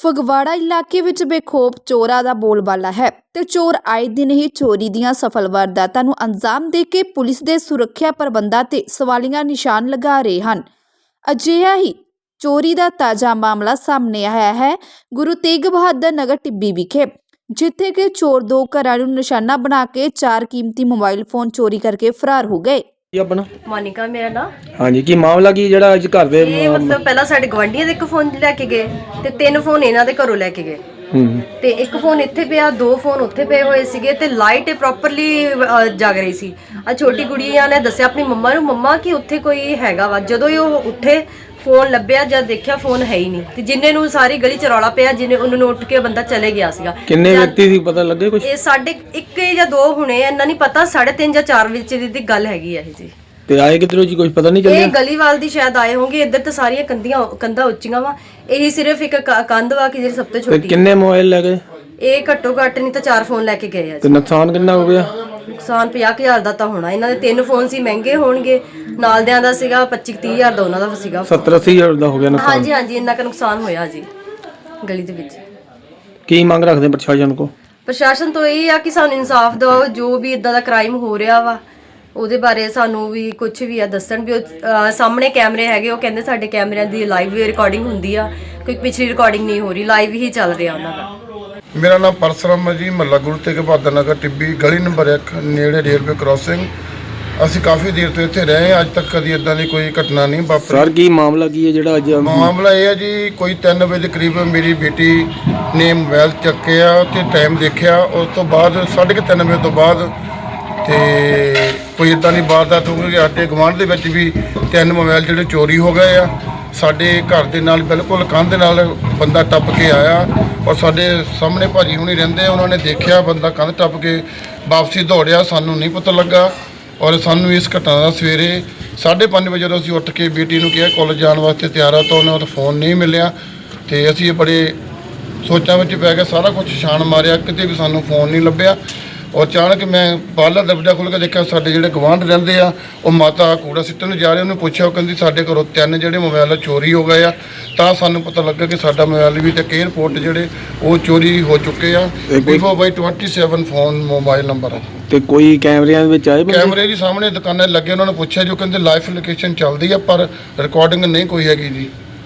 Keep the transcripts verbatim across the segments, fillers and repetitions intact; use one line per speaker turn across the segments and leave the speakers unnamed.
ਫਗਵਾੜਾ ਇਲਾਕੇ ਵਿੱਚ ਬੇਖੌਫ ਚੋਰਾਂ ਦਾ ਬੋਲਬਾਲਾ ਹੈ ਤੇ ਚੋਰ ਆਏ ਦਿਨ ਹੀ ਚੋਰੀ ਦੀਆਂ ਸਫਲ ਵਾਰਦਾਤਾਂ ਨੂੰ ਅੰਜਾਮ ਦੇ ਕੇ ਪੁਲਿਸ ਦੇ ਸੁਰੱਖਿਆ ਪ੍ਰਬੰਧਾਂ ਤੇ ਸਵਾਲੀਆ ਨਿਸ਼ਾਨ ਲਗਾ ਰਹੇ ਹਨ। ਅਜਿਹਾ ਹੀ ਚੋਰੀ ਦਾ ਤਾਜ਼ਾ ਮਾਮਲਾ ਸਾਹਮਣੇ ਆਇਆ ਹੈ ਗੁਰੂ ਤੇਗ ਬਹਾਦਰ ਨਗਰ ਟਿੱਬੀ ਵਿਖੇ, ਜਿੱਥੇ ਕਿ ਚੋਰ ਦੋ ਘਰਾਂ ਨੂੰ ਨਿਸ਼ਾਨਾ ਬਣਾ ਕੇ ਚਾਰ ਕੀਮਤੀ ਮੋਬਾਈਲ ਫੋਨ ਚੋਰੀ ਕਰਕੇ ਫਰਾਰ ਹੋ ਗਏ।
ਆਪਣਾ
ਮੋਨਿਕਾ ਮੇਰਾ ਨਾਮ।
ਹਾਂਜੀ, ਕੀ ਮਾਮਲਾ ਕੀ ਜਿਹੜਾ ਅੱਜ ਘਰ ਦੇ
ਇਹ ਮਤਲਬ ਪਹਿਲਾਂ ਸਾਡੇ ਗਵਾਂਢੀਆਂ ਦੇ ਇੱਕ ਫੋਨ ਲੈ ਕੇ ਗਏ ਤੇ ਤਿੰਨ ਫੋਨ ਇਹਨਾਂ ਦੇ ਘਰੋਂ ਲੈ ਕੇ ਗਏ
ਹੂੰ
ਤੇ ਇੱਕ ਫੋਨ ਇੱਥੇ ਪਿਆ, ਦੋ ਫੋਨ ਉੱਥੇ ਪਏ ਹੋਏ ਸੀਗੇ ਤੇ ਲਾਈਟ ਪ੍ਰੋਪਰਲੀ ਜਗ ਰਹੀ ਸੀ। ਆ ਛੋਟੀ ਕੁੜੀਆਂ ਨੇ ਦੱਸਿਆ ਆਪਣੀ ਮੰਮਾ ਨੂੰ, ਮੰਮਾ ਕਿ ਉੱਥੇ ਕੋਈ ਹੈਗਾ ਵਾ। ਜਦੋਂ ਹੀ ਉਹ ਉੱਠੇ ਫੋਨ ਲੱਭਿਆ, ਜਦ ਦੇਖਿਆ ਫੋਨ ਹੈ ਹੀ ਨਹੀਂ ਤੇ ਜਿੰਨੇ ਨੂੰ ਸਾਰੀ ਗਲੀ ਚ ਰੌਲਾ ਪਿਆ, ਜਿੰਨੇ ਉਹਨਾਂ ਨੂੰ ਉੱਠ ਕੇ ਬੰਦਾ ਚਲੇ ਗਿਆ ਸੀਗਾ।
ਕਿੰਨੇ ਵਿਅਕਤੀ ਸੀ ਪਤਾ ਲੱਗੇ ਕੁਝ?
ਇਹ ਸਾਡੇ ਇੱਕ ਜਾਂ ਦੋ ਹੁਣੇ, ਇੰਨਾ ਨਹੀਂ ਪਤਾ, ਸਾਢੇ ਤਿੰਨ ਜਾਂ ਚਾਰ ਵਿੱਚ ਦੀ ਗੱਲ ਹੈਗੀ ਇਹ ਜੀ।
ਤੇ ਆਏ ਕਿਧਰੋਂ ਜੀ, ਕੁਝ ਪਤਾ ਨਹੀਂ
ਇਹ
ਚੱਲਿਆ?
ਗਲੀਵਾਲ ਦੀ ਸ਼ਾਇਦ ਆਏ ਹੋਣਗੇ। ਇੱਧਰ ਤਾਂ ਸਾਰੀਆਂ ਕੰਧੀਆਂ ਕੰਧਾਂ ਉੱਚੀਆਂ ਵਾ, ਇਹੀ ਸਿਰਫ ਇੱਕ ਕ- ਕੰਧ ਵਾ ਕਿ ਜਿਹੜੀ ਸਭ ਤੋਂ
ਤੇ
ਛੋਟੀ।
ਕਿੰਨੇ ਮੋਬਾਈਲ ਲੈ ਗਏ?
ਇਹ ਘੱਟੋ ਘੱਟ ਨਹੀਂ ਤਾਂ ਚਾਰ ਫੋਨ ਲੈ ਕੇ ਗਏ ਆ
ਤੇ
ਜੀ।
ਨੁਕਸਾਨ ਕਿੰਨਾ ਹੋ ਗਿਆ?
ਨੁਕਸਾਨ ਪੰਜਾਹ ਕੁ ਹਜ਼ਾਰ ਦਾ ਤਾਂ ਹੋਣਾ। ਇਹਨਾਂ ਦੇ ਤਿੰਨ ਫੋਨ ਸੀ, ਮਹਿੰਗੇ ਹੋਣਗੇ। ਨਾਲ ਦਿਆਂ ਦਾ ਸੀਗਾ ਪੱਚੀ ਤੀਹ ਹਜ਼ਾਰ ਦਾ ਉਹਨਾਂ ਦਾ ਸੀਗਾ।
ਸੱਤਰ ਅੱਸੀ ਹਜ਼ਾਰ ਦਾ ਹੋ ਗਿਆ ਨੁਕਸਾਨ।
ਹਾਂਜੀ ਹਾਂਜੀ, ਇੰਨਾ ਕੁ ਨੁਕਸਾਨ ਹੋਇਆ ਜੀ ਗਲੀ ਦੇ ਵਿੱਚ।
ਕੀ ਮੰਗ ਰੱਖਦੇ ਪ੍ਰਸ਼ਾਸਨ ਕੋ?
ਪ੍ਰਸ਼ਾਸਨ ਤੋਂ ਇਹ ਆ ਕਿ ਸਾਨੂੰ ਇਨਸਾਫ ਦਿਵਾਓ। ਜੋ ਵੀ ਇਦਾਂ ਦਾ ਕ੍ਰਾਈਮ ਹੋ ਰਿਹਾ ਵਾ ਉਹਦੇ ਬਾਰੇ ਸਾਨੂੰ ਵੀ ਕੁਝ ਵੀ ਆ ਦੱਸਣ ਵੀ। ਉਹ ਅਹ, ਸਾਹਮਣੇ ਕੈਮਰੇ ਹੈਗੇ, ਉਹ ਕਹਿੰਦੇ ਸਾਡੇ ਕੈਮਰਿਆਂ ਦੀ ਲਾਈਵ ਰਿਕਾਰਡਿੰਗ ਹੁੰਦੀ ਆ, ਕੋਈ ਪਿਛਲੀ ਰਿਕਾਰਡਿੰਗ ਨਹੀਂ ਹੋ ਰਹੀ, ਲਾਈਵ ਹੀ ਚੱਲ ਰਿਹਾ ਉਹਨਾਂ ਦਾ।
ਮੇਰਾ ਨਾਮ ਪਰਸਰਾਮ ਹੈ ਜੀ, ਮਹੱਲਾ ਗੁਰੂ ਤੇਗ ਬਹਾਦਰ ਨਗਰ ਟਿੱਬੀ, ਗਲੀ ਨੰਬਰ ਇੱਕ, ਨੇੜੇ ਰੇਲਵੇ ਕ੍ਰਾਸਿੰਗ। ਅਸੀਂ ਕਾਫੀ ਦੇਰ ਤੋਂ ਇੱਥੇ ਰਹੇ ਹਾਂ, ਅੱਜ ਤੱਕ ਕਦੀ ਇਦਾਂ ਦੀ ਕੋਈ ਘਟਨਾ ਨਹੀਂ ਵਾਪਰੀ।
ਸਰ ਕੀ ਮਾਮਲਾ ਕੀ ਹੈ ਜਿਹੜਾ ਅੱਜ?
ਮਾਮਲਾ ਇਹ ਹੈ ਜੀ, ਕੋਈ ਤਿੰਨ ਵਜੇ ਦੇ ਕਰੀਬ ਮੇਰੀ ਬੇਟੀ ਨੇ ਮੋਬਾਈਲ ਚੱਕਿਆ ਤੇ ਟਾਈਮ ਦੇਖਿਆ। ਉਸ ਤੋਂ ਬਾਅਦ ਸਾਢੇ ਕੁ ਤਿੰਨ ਵਜੇ ਤੋਂ ਬਾਅਦ ਤੇ ਕੋਈ ਇਦਾਂ ਦੀ ਵਾਰਦਾਤ ਹੋ ਗਈ। ਸਾਡੇ ਗੁਆਂਢ ਦੇ ਵਿੱਚ ਵੀ ਤਿੰਨ ਮੋਬਾਈਲ ਜਿਹੜੇ ਚੋਰੀ ਹੋ ਗਏ ਆ। ਸਾਡੇ ਘਰ ਦੇ ਨਾਲ ਬਿਲਕੁਲ ਕੰਧ ਦੇ ਨਾਲ ਬੰਦਾ ਟੱਪ ਕੇ ਆਇਆ ਔਰ ਸਾਡੇ ਸਾਹਮਣੇ ਭਾਜੀ ਹੁਣੀ ਰਹਿੰਦੇ, ਉਹਨਾਂ ਨੇ ਦੇਖਿਆ ਬੰਦਾ ਕੰਧ ਟੱਪ ਕੇ ਵਾਪਸੀ ਦੌੜਿਆ। ਸਾਨੂੰ ਨਹੀਂ ਪਤਾ ਲੱਗਾ ਔਰ ਸਾਨੂੰ ਇਸ ਘਟਨਾ ਦਾ ਸਵੇਰੇ ਸਾਢੇ ਪੰਜ ਵਜੇ ਜਦੋਂ ਅਸੀਂ ਉੱਠ ਕੇ ਬੇਟੀ ਨੂੰ ਕਿਹਾ ਕਾਲਜ ਜਾਣ ਵਾਸਤੇ ਤਿਆਰ ਆ ਤਾਂ ਉਹਨੇ ਉਹ ਫੋਨ ਨਹੀਂ ਮਿਲਿਆ ਤੇ ਅਸੀਂ ਬੜੇ ਸੋਚਾਂ ਵਿੱਚ ਪੈ ਗਏ। ਸਾਰਾ ਕੁਝ ਛਾਣ ਮਾਰਿਆ, ਕਿਤੇ ਵੀ ਸਾਨੂੰ ਫੋਨ ਨਹੀਂ ਲੱਭਿਆ। ਔਰ ਅਚਾਨਕ ਮੈਂ ਬਾਹਰਲਾ ਦਰਵਾਜ਼ਾ ਖੋਲ੍ਹ ਕੇ ਦੇਖਿਆ, ਸਾਡੇ ਜਿਹੜੇ ਗਵਾਂਢ ਰਹਿੰਦੇ ਆ ਉਹ ਮਾਤਾ ਕੂੜਾ ਸਿੱਟਣ ਨੂੰ ਜਾ ਰਹੇ। ਉਹਨੂੰ ਪੁੱਛਿਆ, ਉਹ ਕਹਿੰਦੀ ਸਾਡੇ ਘਰੋਂ ਤਿੰਨ ਜਿਹੜੇ ਮੋਬਾਈਲ ਚੋਰੀ ਹੋ ਗਏ ਆ। ਤਾਂ ਸਾਨੂੰ ਪਤਾ ਲੱਗਾ ਕਿ ਸਾਡਾ ਮੋਬਾਈਲ ਵੀ ਤੇ ਏਅਰਪੋਰਟ ਜਿਹੜੇ ਉਹ ਚੋਰੀ ਹੋ ਚੁੱਕੇ ਆ। ਵੀਵੋ ਬਾਈ ਸੱਤਾਈ ਫੋਨ ਮੋਬਾਈਲ ਨੰਬਰ ਆ।
ਤੇ ਕੋਈ ਕੈਮਰਿਆਂ ਵਿੱਚ ਆਏ ਬੰਦੇ?
ਕੈਮਰੇ ਜੀ ਸਾਹਮਣੇ ਦੁਕਾਨਾਂ ਲੱਗੇ, ਉਹਨਾਂ ਨੂੰ ਪੁੱਛਿਆ ਜੋ ਕਹਿੰਦੇ ਲਾਈਵ ਲੋਕੇਸ਼ਨ ਚੱਲਦੀ ਆ ਪਰ ਰਿਕਾਰਡਿੰਗ ਨਹੀਂ ਕੋਈ ਹੈਗੀ ਜੀ।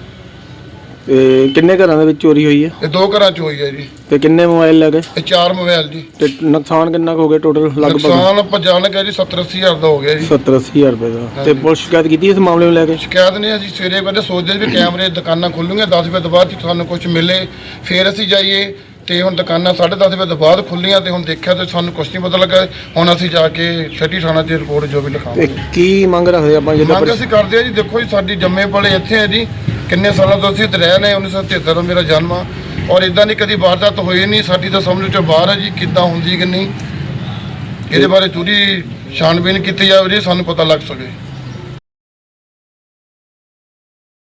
ਤੇ ਕਿੰਨੇ ਘਰਾਂ ਦੇ ਵਿੱਚ ਚੋਰੀ ਹੋਈ ਹੈ?
ਇਹ ਦੋ ਘਰਾਂ ਚ ਹੋਈ ਹੈ ਜੀ।
ਤੇ ਕਿੰਨੇ ਮੋਬਾਈਲ ਲੈ ਗਏ?
ਇਹ ਚਾਰ ਮੋਬਾਈਲ ਜੀ।
ਤੇ ਨੁਕਸਾਨ ਕਿੰਨਾ ਕੁ ਹੋ ਗਿਆ ਟੋਟਲ ਲਗਭਗ?
ਨੁਕਸਾਨ ਆਪਾਂ ਜਾਣ ਕੇ ਜੀ ਸੱਤਰ ਅੱਸੀ ਹਜ਼ਾਰ ਦਾ ਹੋ ਗਿਆ ਜੀ।
ਸੱਤਰ ਅੱਸੀ ਹਜ਼ਾਰ ਰੁਪਏ ਦਾ। ਤੇ ਪੁਲਿਸ ਸ਼ਿਕਾਇਤ ਕੀਤੀ ਇਸ ਮਾਮਲੇ ਨੂੰ ਲੈ ਕੇ?
ਸ਼ਿਕਾਇਤ ਨਹੀਂ, ਅਸੀਂ ਸਵੇਰੇ ਪਹਿਲੇ ਸੋਚਦੇ ਵੀ ਕੈਮਰੇ ਦੁਕਾਨਾਂ ਖੁੱਲ੍ਹਣਗੀਆਂ ਦਸ ਵਜੇ ਤੋਂ ਬਾਅਦ ਜੇ ਸਾਨੂੰ ਕੁਝ ਮਿਲੇ ਫਿਰ ਅਸੀਂ ਜਾਈਏ। ਤੇ ਹੁਣ ਦੁਕਾਨਾਂ ਸਾਢੇ ਦਸ ਵਜੇ ਤੋਂ ਬਾਅਦ ਖੁੱਲ੍ਹੀਆਂ ਤੇ ਹੁਣ ਦੇਖਿਆ ਤੇ ਸਾਨੂੰ ਕੁਝ ਨਹੀਂ ਪਤਾ ਲੱਗਾ। ਹੁਣ ਅਸੀਂ ਜਾ ਕੇ ਛੱਟੀ ਥਾਣਾ 'ਚ ਰਿਪੋਰਟ ਜੋ ਵੀ
ਤੇ
ਲਿਖਾਵਾਂਗੇ।
ਕੀ ਮੰਗ ਰੱਖਦੇ ਆਪਾਂ ਜਦੋਂ?
ਮੰਗ ਅਸੀਂ ਕਰਦੇ ਆ ਜੀ, ਦੇਖੋ ਜੀ ਸਾਡੀ ਜੰਮੇ ਪਲੇ ਇੱਥੇ ਹੈ ਜੀ, ਕਿੰਨੇ ਸਾਲਾਂ ਤੋਂ ਅਸੀਂ ਇੱਥੇ ਰਹਿ ਰਹੇ। ਉੱਨੀ ਸੌ ਤਿਹੱਤਰ ਮੇਰਾ ਜਨਮ ਆ ਔਰ ਇਦਾਂ ਦੀ ਕਦੀ ਵਾਰਦਾਤ ਹੋਈ ਨਹੀਂ। ਸਾਡੀ ਤਾਂ ਸਮਝ ਤੋਂ ਬਾਹਰ ਹੈ ਜੀ ਕਿੱਦਾਂ ਹੁੰਦੀ ਕਿ ਨਹੀਂ। ਇਹਦੇ ਬਾਰੇ ਪੂਰੀ ਛਾਣਬੀਨ ਕੀਤੀ ਜਾਵੇ ਜੀ, ਸਾਨੂੰ ਪਤਾ ਲੱਗ ਸਕੇ।